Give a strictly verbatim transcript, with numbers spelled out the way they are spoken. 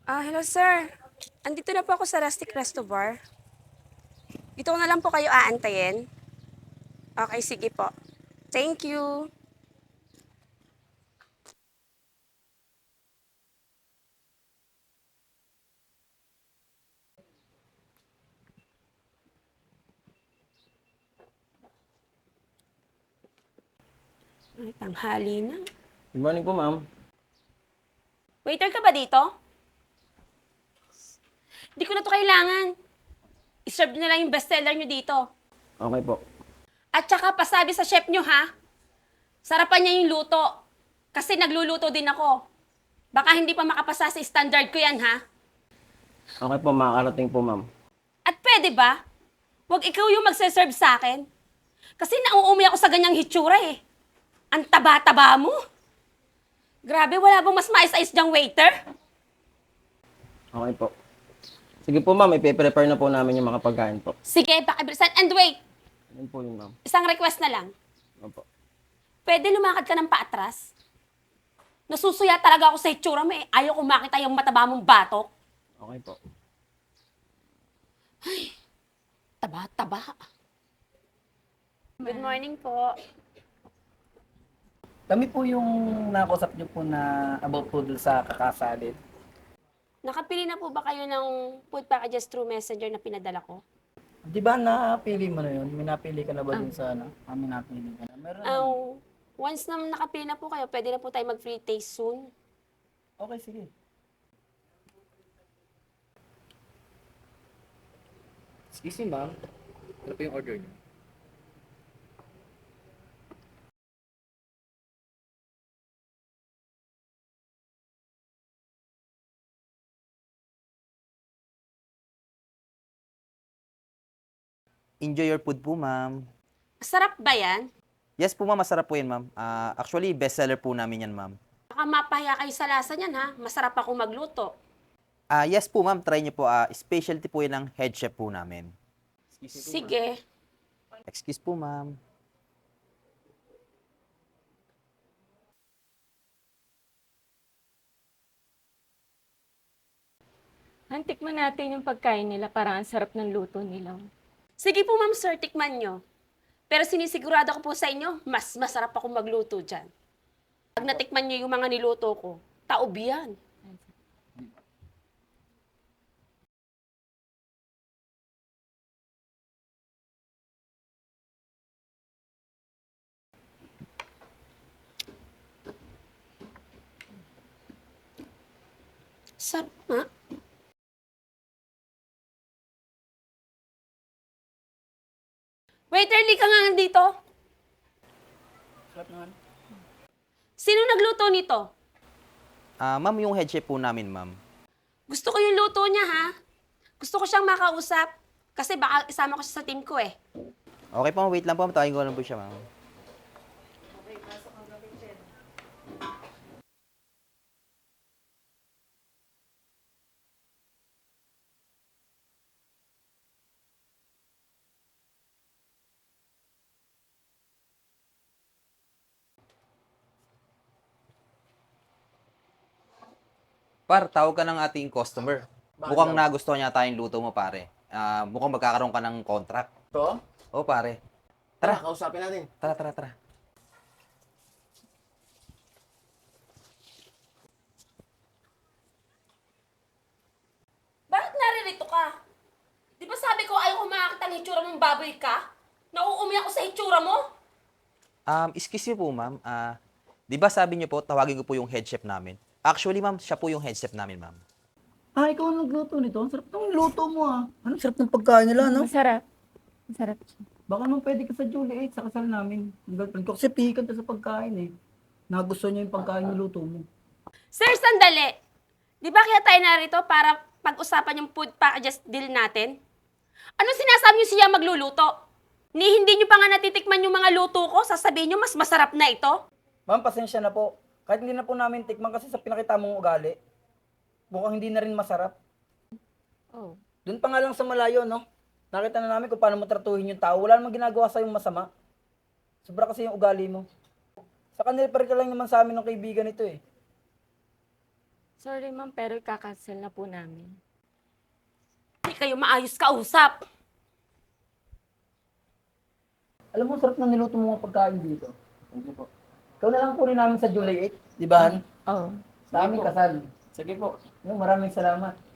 Ah, hello sir. Andito na po ako sa Rustic Resto Bar. Dito ko na lang po kayo aantayin. Okay, sige po. Thank you. Ay, tanghali na. Good morning po, ma'am. Waiter ka ba dito? Di ko na to kailangan. I-serve nyo na lang yung bestseller nyo dito. Okay po. At saka pasabi sa chef nyo ha, sarapan niya yung luto. Kasi nagluluto din ako. Baka hindi pa makapasa sa standard ko yan ha. Okay po, makakarating po, ma'am. At pwede ba? Huwag ikaw yung magse-serve sa akin. Kasi nauumi ako sa ganyang hitsura eh. Ang taba-taba mo. Grabe, wala bang mas mais-ais diyang waiter? Okay po. Sige po, ma'am. Ipe-prepare na po namin yung mga pagkain po. Sige, pakibilisan. And wait, Yan po yun, ma'am. isang request na lang. Opo. Pwede lumakad ka ng paatras? Nasusuya talaga ako sa hitsura mo eh. Ayaw ko makita yung mataba mong batok. Okay po. Taba-taba. Good morning po. Kami po yung nakausap niyo po na about po dun sa kakasalid. Nakapili na po ba kayo ng food packages through messenger na pinadala ko? Di ba napili mo na yun? May napili ka na ba dun sa ano? Kami napili ka na. Meron naman. Um, once na nakapili na po kayo, pwede na po tayo mag-free taste soon. Okay, sige. Excuse me, ma'am. Ano po yung order niyo? Enjoy your food po, ma'am. Sarap ba yan? Yes po, ma'am. Masarap po yan, ma'am. Ah, actually, bestseller po namin yan, ma'am. Baka mapahiya kayo sa lasa niyan ha. Masarap ako magluto. Ah, yes po, ma'am. Try niyo po. Ah, specialty po yan ng head chef po namin. Sige. Excuse po, ma'am. Tikman natin yung pagkain nila. Parang ang sarap ng luto nila. Sige po ma'am sir, tikman nyo. Pero sinisigurado ko po sa inyo, mas masarap ako magluto dyan. Pag natikman nyo yung mga niluto ko, taob yan. Sarap nga. Waiter, li ka nga dito. Sarap naman. Sino nagluto nito? Ah, ma'am, yung head chef po namin, ma'am. Gusto ko yung luto niya, ha? Gusto ko siyang makausap. Kasi baka isama ko siya sa team ko, eh. Okay po, wait lang po. Tawagin ko lang po siya, ma'am. Par, tawag ka ng ating customer. Mukhang nagustuhan niya tayong luto mo, pare. Ah, mukhang magkakaroon ka ng contract. To? Oo, pare. Tara, Tara, kausapin natin. tara, tara, tara. Bakit naririto ka? Di ba sabi ko ayaw ko makakita ng itsura mong baboy ka? Nauumi ako sa itsura mo? Um, excuse me po, ma'am. Ah, di ba sabi niyo po, tawagin ko po yung head chef namin? Actually, ma'am, siya po yung head chef namin, ma'am. Ah, ikaw ang nagluto nito? Ang sarap ng luto mo ah. Ano sarap ng pagkain nila, no? Masarap. Masarap. Baka naman pwede ka sa Juliet, sa kasal namin. Ang girlfriend ko. Kasi pihikan to sa pagkain eh. Nagustuhan niya yung pagkain yung luto mo. Sir, sandali. Di ba kaya tayo narito para pag-usapan yung food packages deal natin? Ano sinasabi niyo siya magluluto? Ni hindi niyo pa nga natitikman yung mga luto ko, sasabihin niyo mas masarap na ito? Ma'am, pasensya na po. Kahit hindi na po namin tikman kasi sa pinakita mong ugali, mukhang hindi na rin masarap. Oh. Doon pa nga lang sa malayo, no? Nakita na namin kung paano mo tratuhin yung tao. Wala namang ginagawa sa'yo masama. Sobra kasi yung ugali mo. Sa kanila pa rin ka lang naman sa amin ng kaibigan ito eh. Sorry ma'am, pero ikakancel na po namin. Hindi kayo maayos kausap. Alam mo, sarap na niluto mo mga pagkain dito. Thank you po. Ikaw na lang kunin namin sa July eighth, di ba? Han? Oh. Sa aming kasal. Sige po. Yung maraming salamat.